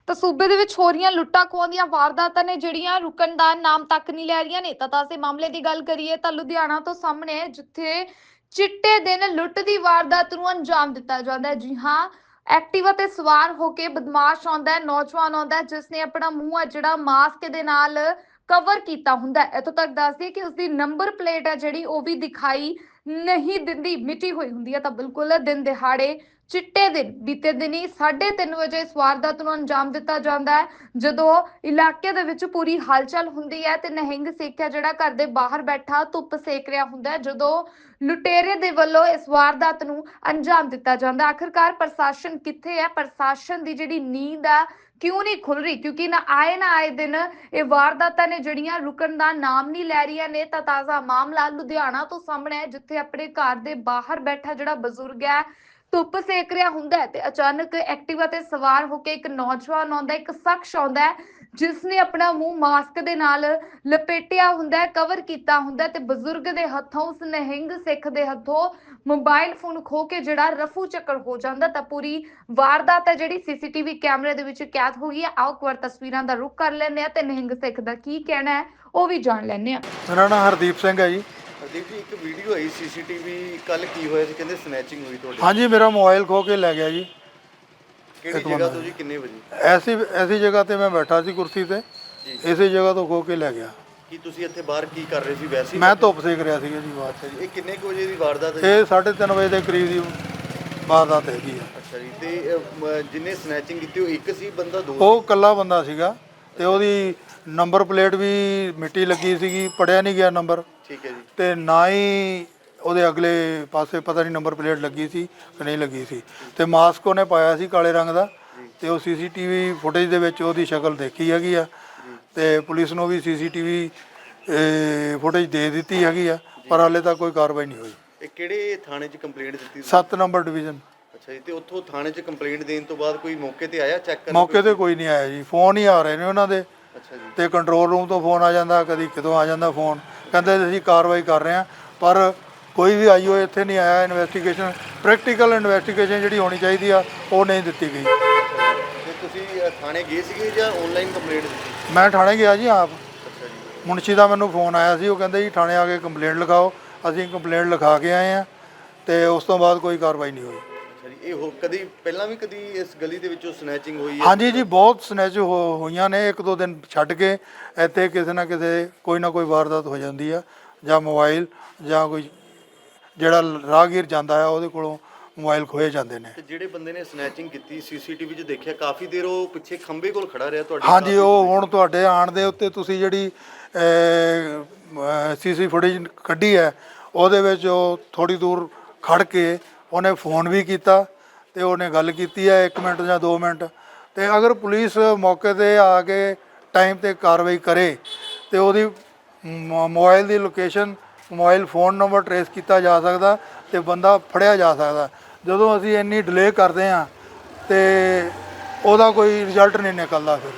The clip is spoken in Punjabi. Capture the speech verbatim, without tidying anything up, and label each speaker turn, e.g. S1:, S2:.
S1: ਤਾਂ ਸੂਬੇ ਦੇ ਵਿੱਚ ਹੋ ਰਹੀਆਂ ਲੁੱਟਾਂ ਖੋਹਾਂ ਦੀਆਂ ਵਾਰਦਾਤਾਂ ਨੇ ਜਿਹੜੀਆਂ ਰੁਕਣ ਦਾ ਨਾਮ ਤੱਕ ਨਹੀਂ ਲੈ ਰਹੀਆਂ ਨੇ। ਤਾਂ ਤਾਂ ਅਸੀਂ ਮਾਮਲੇ ਦੀ ਗੱਲ ਕਰੀਏ ਤਾਂ ਲੁਧਿਆਣਾ ਤੋਂ ਸਾਹਮਣੇ ਹੈ, ਜਿੱਥੇ ਚਿੱਟੇ ਦਿਨ ਲੁੱਟ ਦੀ ਵਾਰਦਾਤ ਨੂੰ ਅੰਜਾਮ ਦਿੱਤਾ ਜਾਂਦਾ ਹੈ। ਜੀ ਹਾਂ, ਐਕਟਿਵਾ ਤੇ ਸਵਾਰ ਹੋ ਕੇ ਬਦਮਾਸ਼ ਆਉਂਦਾ ਹੈ, ਨੌਜਵਾਨ ਆਉਂਦਾ ਹੈ, ਜਿਸ ਨੇ ਆਪਣਾ ਮੂੰਹ ਹੈ ਜਿਹੜਾ ਮਾਸਕ ਦੇ ਨਾਲ ਕਵਰ ਕੀਤਾ ਹੁੰਦਾ ਹੈ। ਇੱਥੋਂ ਤੱਕ ਦੱਸਦੀ ਕਿ ਉਸਦੀ ਨੰਬਰ ਪਲੇਟ ਹੈ ਜਿਹੜੀ ਉਹ ਵੀ ਦਿਖਾਈ ਨਹੀਂ ਦਿੰਦੀ, ਮਿਟੀ ਹੋਈ ਹੁੰਦੀ ਹੈ। ਤਾਂ ਬਿਲਕੁਲ ਦਿਨ ਦਿਹਾੜੇ ਚਿੱਟੇ ਦਿਨ ਬੀਤੇ ਦਿਨੀ ਸਾਢੇ ਤਿੰਨ ਵਜੇ ਇਸ ਵਾਰਦਾਤ ਨੂੰ ਅੰਜਾਮ ਦਿੱਤਾ ਜਾਂਦਾ ਹੈ, ਜਦੋਂ ਇਲਾਕੇ ਦੇ ਵਿੱਚ ਪੂਰੀ ਹਲਚਲ ਹੁੰਦੀ ਹੈ ਤੇ ਨਿਹੰਗ ਸਿੱਖ ਹੈ ਜਿਹੜਾ ਘਰ ਦੇ ਬਾਹਰ ਬੈਠਾ ਧੁੱਪ ਸੇਕ ਰਿਹਾ ਹੁੰਦਾ ਹੈ, ਜਦੋਂ ਲੁਟੇਰੇ ਦੇ ਵੱਲੋਂ ਇਸ ਵਾਰਦਾਤ ਨੂੰ ਅੰਜਾਮ ਦਿੱਤਾ ਜਾਂਦਾ। ਆਖਿਰਕਾਰ ਪ੍ਰਸ਼ਾਸਨ ਕਿੱਥੇ ਹੈ? ਪ੍ਰਸ਼ਾਸਨ ਦੀ ਜਿਹੜੀ ਨੀਂਦ ਆ ਕਿਉਂ ਨਹੀਂ ਖੁੱਲ ਰਹੀ? ਕਿਉਂਕਿ ਨਾ ਆਏ ਨਾ ਆਏ ਦਿਨ ਇਹ ਵਾਰਦਾਤਾਂ ਨੇ ਜਿਹੜੀਆਂ ਰੁਕਣ ਦਾ ਨਾਮ ਨਹੀਂ ਲੈ ਰਹੀਆਂ ਨੇ। ਤਾਂ ਤਾਜ਼ਾ ਮਾਮਲਾ ਲੁਧਿਆਣਾ ਤੋਂ ਸਾਹਮਣੇ ਹੈ, ਜਿੱਥੇ ਆਪਣੇ ਘਰ ਦੇ ਬਾਹਰ ਬੈਠਾ ਜਿਹੜਾ ਬਜ਼ੁਰਗ ਹੈ ਧੁੱਪ ਸੇਕ ਰਿਹਾ ਹੁੰਦਾ ਹੈ ਤੇ ਅਚਾਨਕ ਐਕਟਿਵਾ ਤੇ ਸਵਾਰ ਹੋ ਕੇ ਇੱਕ ਨੌਜਵਾਨ ਆਉਂਦਾ, ਇੱਕ ਸ਼ਖਸ ਆਉਂਦਾ ਹੈ ਜਿਸ ਨੇ ਆਪਣਾ ਮੂੰਹ ਮਾਸਕ ਦੇ ਨਾਲ ਲਪੇਟਿਆ ਹੁੰਦਾ ਹੈ, ਕਵਰ ਕੀਤਾ ਹੁੰਦਾ ਹੈ ਤੇ ਬਜ਼ੁਰਗ ਦੇ ਹੱਥੋਂ, ਉਸ ਨਿਹੰਗ ਸਿੱਖ ਦੇ ਹੱਥੋਂ ਮੋਬਾਈਲ ਫੋਨ ਖੋ ਕੇ ਜਿਹੜਾ ਰਫੂ ਚੱਕਰ ਹੋ ਜਾਂਦਾ। ਤਾਂ ਪੂਰੀ ਵਾਰਦਾਤ ਹੈ ਜਿਹੜੀ ਸੀਸੀਟੀਵੀ ਕੈਮਰੇ ਦੇ ਵਿੱਚ ਕੈਦ ਹੋ ਗਈ ਹੈ। ਆਓ ਇੱਕ ਵਾਰ ਤਸਵੀਰਾਂ ਦਾ ਰੁਖ ਕਰ ਲੈਂਦੇ ਆ ਤੇ ਨਿਹੰਗ ਸਿੱਖ ਦਾ ਕੀ ਕਹਿਣਾ ਹੈ ਉਹ ਵੀ ਜਾਣ ਲੈਂਦੇ ਆ।
S2: ਮੇਰਾ ਨਾਮ ਹਰਦੀਪ ਸਿੰਘ ਹੈ ਜੀ।
S3: ਹਰਦੀਪ ਜੀ, ਇੱਕ ਵੀਡੀਓ ਆਈ ਸੀਸੀਟੀਵੀ ਕੱਲ ਕੀ ਹੋਇਆ ਸੀ? ਕਹਿੰਦੇ ਸਨੈਚਿੰਗ ਹੋਈ ਤੁਹਾਡੇ।
S2: ਹਾਂਜੀ, ਮੇਰਾ ਮੋਬਾਈਲ ਖੋ ਕੇ ਲੈ ਗਿਆ ਜੀ।
S3: ਕਿਹੜੀ ਜਗ੍ਹਾ ਤੋਂ ਜੀ? ਕਿੰਨੇ ਵਜੇ?
S2: ਐਸੀ ਐਸੀ ਜਗ੍ਹਾ ਤੇ ਮੈਂ ਬੈਠਾ ਸੀ ਕੁਰਸੀ ਤੇ, ਇਸੇ ਜਗ੍ਹਾ ਤੋਂ ਖੋ ਕੇ ਲੈ ਗਿਆ।
S3: ਕੀ ਤੁਸੀਂ ਇੱਥੇ ਬਾਹਰ ਕੀ ਕਰ ਰਹੇ ਸੀ? ਵੈਸੇ ਹੀ
S2: ਮੈਂ ਧੁੱਪ ਸੇਕ ਰਿਹਾ ਸੀਗਾ ਜੀ ਬਾਹਰ।
S3: ਅੱਛਾ ਜੀ, ਇਹ ਕਿੰਨੇ ਕੁ ਵਜੇ ਦੀ ਵਾਰਦਾਤ ਹੈ?
S2: ਇਹ ਸਾਢੇ ਤਿੰਨ ਵਜੇ ਦੇ ਕਰੀਬ ਦੀ ਵਾਰਦਾਤ ਹੈਗੀ ਆ।
S3: ਅੱਛਾ ਜੀ, ਤੇ ਅਹ, ਜਿਹਨੇ ਸਨੈਚਿੰਗ ਕੀਤੀ ਉਹ ਇੱਕ ਸੀ ਬੰਦਾ, ਦੋ?
S2: ਉਹ ਇਕੱਲਾ ਬੰਦਾ ਸੀਗਾ ਤੇ ਉਹਦੀ ਨੰਬਰ ਪਲੇਟ ਵੀ ਮਿੱਟੀ ਲੱਗੀ ਸੀਗੀ, ਪੜਿਆ ਨਹੀਂ ਗਿਆ ਨੰਬਰ।
S3: ਠੀਕ ਹੈ ਜੀ।
S2: ਤੇ ਨਾ ਹੀ ਉਹਦੇ ਅਗਲੇ ਪਾਸੇ ਪਤਾ ਨਹੀਂ ਨੰਬਰ ਪਲੇਟ ਲੱਗੀ ਸੀ ਕਿ ਨਹੀਂ ਲੱਗੀ ਸੀ। ਤੇ ਮਾਸਕ ਉਹਨੇ ਪਾਇਆ ਸੀ ਕਾਲੇ ਰੰਗ ਦਾ, ਤੇ ਉਹ ਸੀਸੀਟੀਵੀ ਫੁਟੇਜ ਦੇ ਵਿੱਚ ਉਹਦੀ ਸ਼ਕਲ ਦੇਖੀ ਹੈਗੀ ਆ। ਤੇ ਪੁਲਿਸ ਨੂੰ ਵੀ ਸੀਸੀਟੀਵੀ ਫੁਟੇਜ ਦੇ ਦਿੱਤੀ ਹੈਗੀ ਆ, ਪਰ ਹਾਲੇ ਤੱਕ ਕੋਈ ਕਾਰਵਾਈ ਨਹੀਂ ਹੋਈ।
S3: ਇਹ ਕਿਹੜੇ ਥਾਣੇ 'ਚ ਕੰਪਲੇਂਟ ਦਿੱਤੀ?
S2: ਸੱਤ ਨੰਬਰ ਡਿਵੀਜ਼ਨ।
S3: ਅੱਛਾ ਜੀ, ਤੇ ਉੱਥੋਂ ਥਾਣੇ 'ਚ ਕੰਪਲੇਂਟ ਦੇਣ ਤੋਂ ਬਾਅਦ ਕੋਈ ਮੌਕੇ ਤੇ ਆਇਆ ਚੈੱਕ ਕਰਨ?
S2: ਮੌਕੇ ਤੇ ਕੋਈ ਨਹੀਂ ਆਇਆ ਜੀ, ਫੋਨ ਹੀ ਆ ਰਹੇ ਨੇ ਉਹਨਾਂ ਦੇ।
S3: ਅੱਛਾ ਜੀ।
S2: ਤੇ ਕੰਟਰੋਲ ਰੂਮ ਤੋਂ ਫੋਨ ਆ ਜਾਂਦਾ, ਕਦੀ ਕਿਤੋਂ ਆ ਜਾਂਦਾ ਫੋਨ, ਕਹਿੰਦੇ ਅਸੀਂ ਕਾਰਵਾਈ ਕਰ ਰਹੇ ਹਾਂ, ਪਰ ਕੋਈ ਵੀ ਆਈਓ ਇੱਥੇ ਨਹੀਂ ਆਇਆ। ਇਨਵੈਸਟੀਗੇਸ਼ਨ, ਪ੍ਰੈਕਟੀਕਲ ਇਨਵੈਸਟੀਗੇਸ਼ਨ ਜਿਹੜੀ ਹੋਣੀ ਚਾਹੀਦੀ ਆ ਉਹ ਨਹੀਂ ਦਿੱਤੀ ਗਈ।
S3: ਤੇ ਤੁਸੀਂ ਅਹ, ਥਾਣੇ ਗਏ ਸੀਗੇ ਜਾਂ ਆਨਲਾਈਨ ਕੰਪਲੇਂਟ ਦਿੱਤੀ?
S2: ਮੈਂ ਥਾਣੇ ਗਿਆ ਜੀ ਆਪ।
S3: ਅੱਛਾ ਜੀ।
S2: ਮੁਨਸ਼ੀ ਦਾ ਮੈਨੂੰ ਫੋਨ ਆਇਆ ਸੀ, ਉਹ ਕਹਿੰਦੇ ਜੀ ਥਾਣੇ ਆ ਕੇ ਕੰਪਲੇਂਟ ਲਿਖਾਓ। ਅਸੀਂ ਕੰਪਲੇਂਟ ਲਿਖਾ ਕੇ ਆਏ ਆ ਤੇ ਉਸ ਤੋਂ ਬਾਅਦ ਕੋਈ ਕਾਰਵਾਈ ਨਹੀਂ ਹੋਈ।
S3: ਅੱਛਾ ਜੀ, ਇਹ ਹੋ ਕਦੀ ਪਹਿਲਾਂ ਵੀ ਕਦੀ ਇਸ ਗਲੀ ਦੇ ਵਿੱਚੋਂ ਸਨੈਚਿੰਗ ਹੋਈ ਹੈ?
S2: ਹਾਂਜੀ ਜੀ, ਬਹੁਤ ਸਨੈਚ ਹੋ ਹੋਈਆਂ ਨੇ। ਇੱਕ ਦੋ ਦਿਨ ਛੱਡ ਕੇ ਇੱਥੇ ਕਿਸੇ ਨਾ ਕਿਸੇ ਕੋਈ ਨਾ ਕੋਈ ਵਾਰਦਾਤ ਹੋ ਜਾਂਦੀ ਆ, ਜਾਂ ਮੋਬਾਈਲ ਜਾਂ ਕੋਈ ਜਿਹੜਾ ਰਾਹਗੀਰ ਜਾਂਦਾ ਹੈ ਉਹਦੇ ਕੋਲੋਂ ਮੋਬਾਈਲ ਖੋਏ ਜਾਂਦੇ ਨੇ।
S3: ਤੇ ਜਿਹੜੇ ਬੰਦੇ ਨੇ ਸਨੈਚਿੰਗ ਕੀਤੀ ਸੀਸੀਟੀਵੀ 'ਚ ਦੇਖਿਆ, ਕਾਫੀ ਦੇਰ ਉਹ ਪਿੱਛੇ ਖੰਭੇ ਕੋਲ ਖੜਾ ਰਿਹਾ ਤੁਹਾਡੇ?
S2: ਹਾਂਜੀ, ਉਹ ਹੁਣ ਤੁਹਾਡੇ ਆਉਣ ਦੇ ਉੱਤੇ ਤੁਸੀਂ ਜਿਹੜੀ ਸੀਸੀ ਫੁਟੇਜ ਕੱਢੀ ਹੈ ਉਹਦੇ ਵਿੱਚ ਉਹ ਥੋੜ੍ਹੀ ਦੂਰ ਖੜ ਕੇ ਉਹਨੇ ਫੋਨ ਵੀ ਕੀਤਾ ਤੇ ਉਹਨੇ ਗੱਲ ਕੀਤੀ ਹੈ ਇੱਕ ਮਿੰਟ ਜਾਂ ਦੋ ਮਿੰਟ। ਤੇ ਅਗਰ ਪੁਲਿਸ ਮੌਕੇ ਤੇ ਆ ਕੇ ਟਾਈਮ ਤੇ ਕਾਰਵਾਈ ਕਰੇ ਤੇ ਉਹਦੀ ਮੋਬਾਈਲ ਦੀ location, mobile phone number trace ਕੀਤਾ ਜਾ ਸਕਦਾ ਤੇ ਬੰਦਾ ਫੜਿਆ ਜਾ ਸਕਦਾ। ਜਦੋਂ ਅਸੀਂ ਇੰਨੀ ਡਿਲੇ ਕਰਦੇ ਹਾਂ ਤੇ ਉਹਦਾ ਕੋਈ ਰਿਜ਼ਲਟ ਨਹੀਂ ਨਿਕਲਦਾ ਫਿਰ।